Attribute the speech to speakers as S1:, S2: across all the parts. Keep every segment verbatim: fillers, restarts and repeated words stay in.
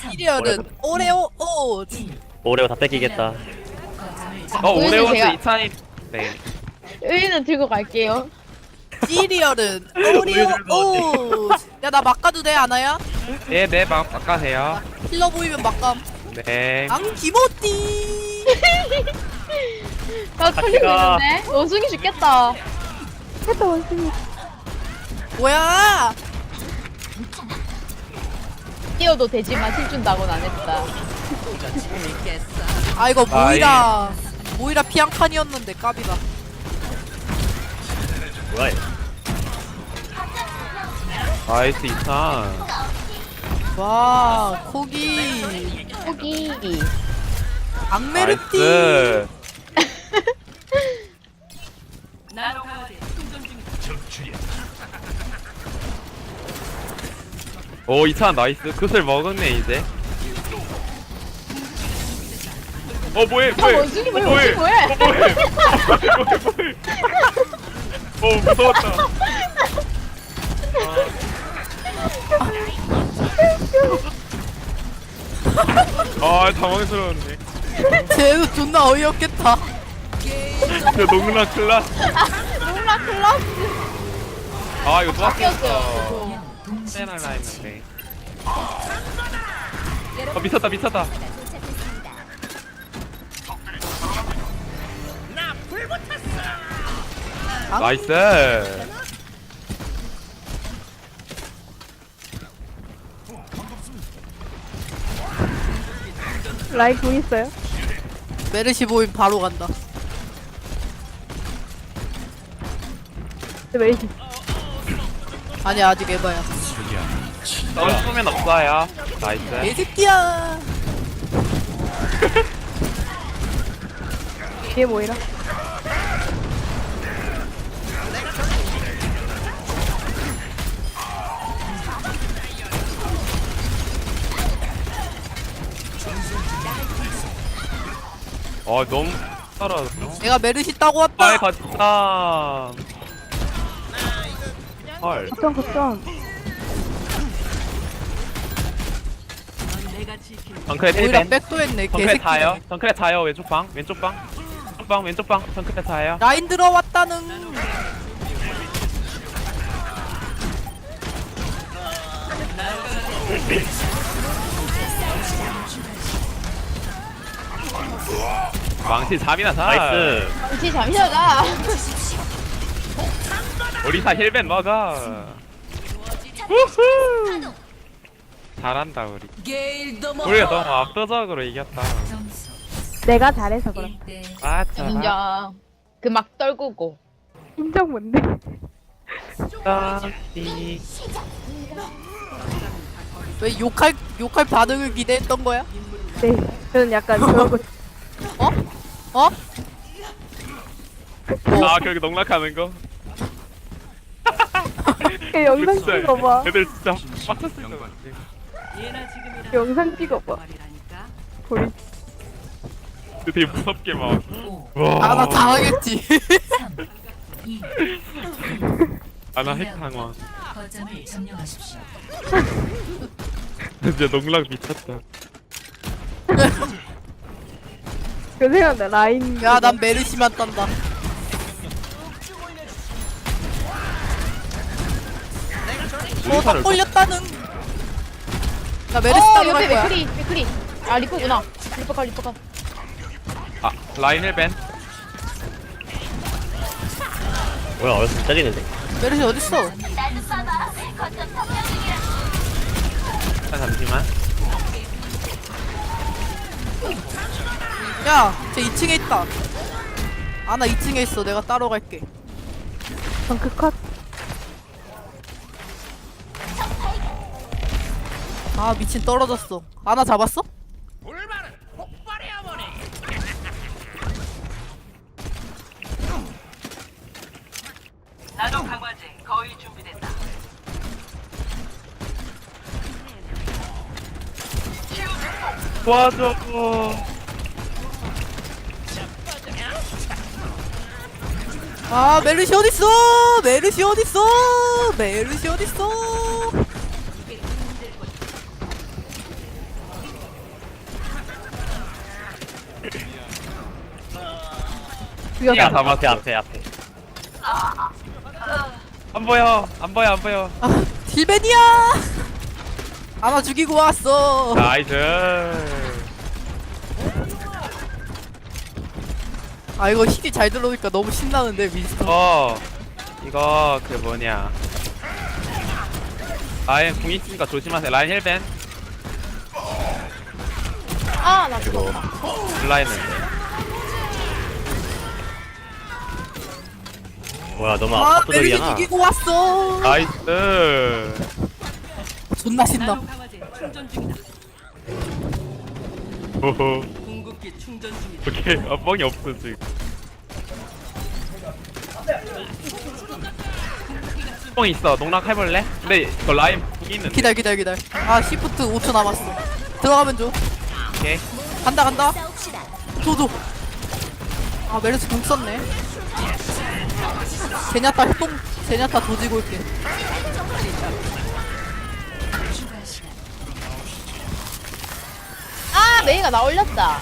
S1: 시리얼은 오레오 오.
S2: 오레오 다 뺏기겠다.
S3: 어
S4: 우유는
S3: 오레오스
S4: 제가-
S3: 이찬이 네.
S4: 의리는 들고 갈게요.
S1: 시리얼은 오레오 오. 야 나 막가도 돼 아나야?
S3: 네네 막 바꿔세요.
S1: 힐러 보이면 막감.
S3: 네.
S1: 앙 기모띠.
S4: 나 털리고
S2: 가.
S4: 있는데? 원숭이 죽겠다.
S5: 했다 원숭이.
S1: 뭐야?
S4: 뛰어도 되지만 힐 준다고는 안 했다.
S1: 아 이거 모이라 모이라 피앙칸이었는데 까비다.
S2: 뭐야? 얘.
S3: 나이스 이찬.
S1: 와 코기
S4: 포기.
S1: 악메르띠.
S3: 나이스. 오 이찬 나이스. 그슬 먹었네 이제. 어 뭐해
S4: 아,
S3: 뭐해.
S4: 원숭이 뭐해,
S3: 어, 뭐해.
S4: 원숭이 뭐해.
S3: 어, 뭐해. 뭐해 뭐해. 어 무서웠다. 아 당황스러웠네.
S1: 쟤도 존나 어이없겠다.
S3: 야 농락 클라스.
S4: 몰라 클라스.
S3: 아 이거 또
S4: 바뀌었어요.
S3: 왔어. 빼날라 했는데. 아 미쳤다 미쳤다.
S1: 아?
S3: 나이스.
S5: 라인 공 있어요?
S1: 메르시 보임 바로 간다.
S5: 네, 메이지.
S1: 아니 아직 에바야.
S3: 썰수면 없어요. 나이스.
S1: 개새끼야.
S5: 뒤에 모이라.
S3: 어 너무 따라.
S1: 내가 메르시 따고 왔다.
S3: 아이 갔다. 헐.
S5: 걱정 걱정.
S3: 덩크레
S1: 오히려
S3: 힐벤.
S1: 백도했네
S3: 덩크레
S1: 개새끼.
S3: 타요. 덩크레 타요. 왼쪽 방. 왼쪽 방. 왼쪽 방. 왼쪽 방. 덩크레 타요.
S1: 라인 들어왔다는.
S3: 망치 잠이나 자.
S2: 나이스.
S4: 혹시 잠시만가.
S3: 우리사 힐벤 먹어. 후후. 잘한다 우리. 우리가 너무 압도적으로 이겼다.
S5: 내가 잘해서 그럼.
S3: 맞아.
S4: 인정. 그 막 떨구고.
S5: 인정 뭔데?
S3: 덩치.
S1: 왜 욕할 욕할 반응을 기대했던 거야?
S5: 네. 저는 약간 그런 거.
S1: 어? 어?
S3: 아 결국 농락하는 거.
S5: 그 영상 찍어봐.
S3: 애들 진짜 빡쳤을 것 같아.
S5: 영상 찍어봐. 보리.
S3: 되게 무섭게 막.
S1: 아 나 당하겠지.
S3: 아나 핵 상황.
S6: 거점을 점령하십시오.
S3: 진짜 농락 미쳤다.
S5: 그 생각나 라인.
S1: 야 난 메르시만 딴다. 어딱 걸렸다는. 나 메르시
S4: 어
S1: 따로
S4: 옆에
S1: 갈 거야.
S4: 맥크리 맥크리. 아 리퍼구나. 리퍼가 리퍼가.
S3: 아 라인 힐벤.
S2: 뭐야 어디서 때리는데?
S1: 메르시 어딨어?
S3: 아, 잠시만.
S1: 야, 쟤 이 층에 있다. 아, 나 이 층에 있어. 내가 따로 갈게.
S5: 덩크 컷.
S1: 아, 미친 떨어졌어. 아나 잡았어?
S7: 나도 강화제 거의 준비됐다.
S3: 도와줘.
S1: 아, 메르시 어딨어? 메르시 어딨어? 메르시 어딨어?
S5: 죽였어.
S3: 야,
S2: 앞에
S3: 잡았어.
S2: 앞에 앞에.
S3: 안 보여. 안 보여. 안 보여.
S1: 아, 딜벤이야. 아마 죽이고 왔어.
S3: 나이스.
S1: 아 이거 힐이 잘 들어오니까 너무 신나는데 윈스턴.
S3: 어. 이거 그 뭐냐. 라인 궁 있으니까 조심하세요. 라인 힐벤.
S4: 아, 나 죽었다.
S3: 블라인인데.
S2: 뭐야 너무
S1: 아 메르시
S2: 압도적이잖아.
S1: 죽이고 왔어.
S3: 나이스.
S1: 존나 신나.
S3: 호호. 오케이. 아, 뻥이 없어 지금. 뻥 있어. 농락 해볼래? 근데 이거 라인 궁 있는데.
S1: 기다려 기다려 기다려. 아 시프트 오 초 남았어. 들어가면 줘.
S3: 오케이.
S1: 간다 간다. 줘줘. 아 메르시 궁 썼네. 제냐타 협동 제냐타 조지고 올게.
S4: 아, 메이가 나 올렸다.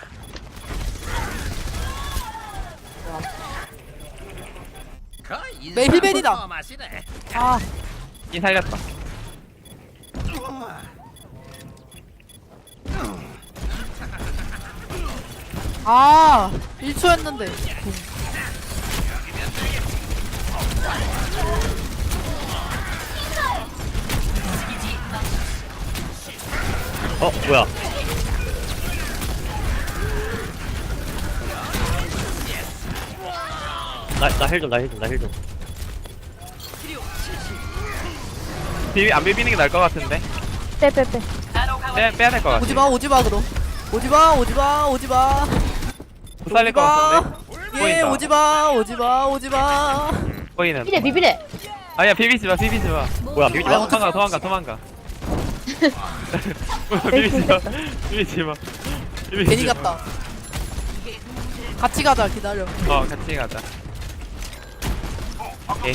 S1: 메 힐벤이다. 아
S3: 이 살렸다.
S1: 아, 일 초였는데.
S2: 어 뭐야? 나나힐좀나힐좀나힐 좀.
S3: 비비 안 비비는 게 나을 것 같은데.
S5: 빼빼빼.
S3: 빼 빼야 될 것 같아.
S1: 오지마, 오지마, 그럼. 오지마, 오지마, 오지마.
S3: 못 살릴 것 같은데.
S1: 예,
S3: 보인다.
S1: 오지마, 오지마, 오지마.
S3: 보이는.
S4: 비비래, 비비래.
S3: 아야 비비지 마 비비지 마.
S2: 뭐야 비비지
S1: 아,
S2: 마.
S3: 도망가 도망가 도망가. 비비지 마 비비지 마. 비비지
S1: 괜히
S3: 마.
S1: 갔다. 같이 가자, 기다려.
S3: 어 같이 가자. 오케이.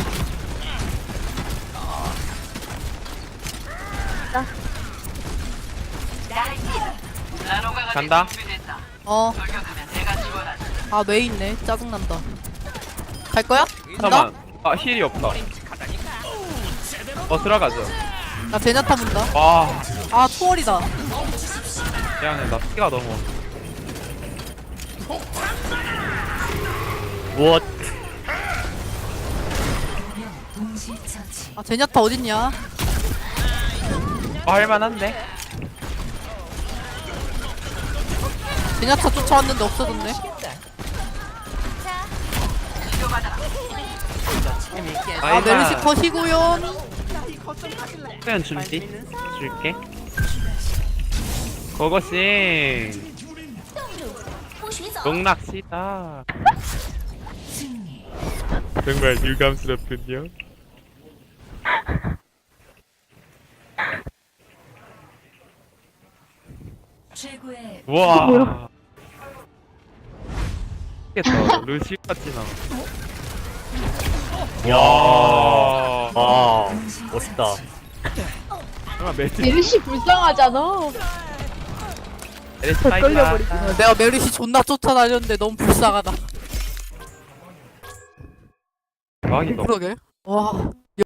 S7: 나노가가
S3: 간다.
S7: 준비됐다.
S1: 어,
S7: 돌격하면 내가 지원한다.
S1: 아, 왜 있네. 짜증난다. 갈 거야? 간다?
S3: 잠깐만. 아 힐이 없다. 어 들어가죠.
S1: 나 제냐타 문다.
S3: 와
S1: 아, 초월이다.
S3: 미안해 나 피가 너무.
S2: 무엇?
S6: 동시 처치.
S1: 아, 제냐타 어딨냐?
S3: 어, 할만한데.
S1: 제냐타 쫓아왔는데 없어졌네. 아, 메르시 컷이구요.
S3: 수연 준비 줄게. 그것이 농락시다. 정말 유감스럽군요.
S6: 최고의
S3: 우와. 겠다 루시 같이 나.
S2: 야.
S3: 와.
S2: 아 멋있다.
S3: 정말 매트.
S4: 메르시 불쌍하잖아.
S3: 에레스
S5: 끌려버리지.
S1: 어, 내가 메르시 존나 쫓아다녔는데 너무 불쌍하다.
S3: 대박이다.
S1: 그러게. 와,